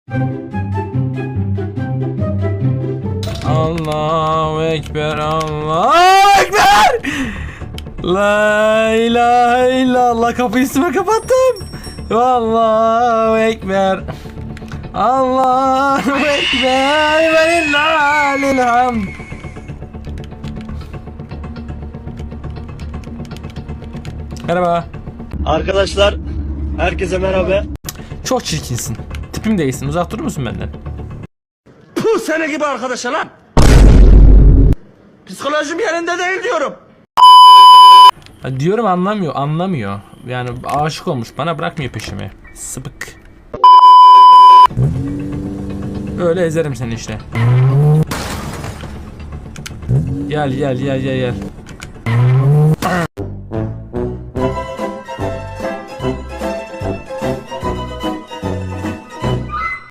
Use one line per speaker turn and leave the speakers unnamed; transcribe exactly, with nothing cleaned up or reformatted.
Allahu Ekber, Allahu Ekber. La ilahe illallah, kapıyı üstüme kapattım. Allahu Ekber, Allahu Ekber ve lillahil hamd. Merhaba.
Arkadaşlar, herkese merhaba.
Çok çirkinsin. Tipim değilsin. Uzak durur musun benden?
Puh, seni gibi arkadaşa lan. Psikolojim yerinde değil diyorum.
Ha, diyorum anlamıyor, anlamıyor. Yani aşık olmuş, bana bırakmıyor peşimi. Sıpık. Öyle ezerim seni işte. Gel gel gel gel gel.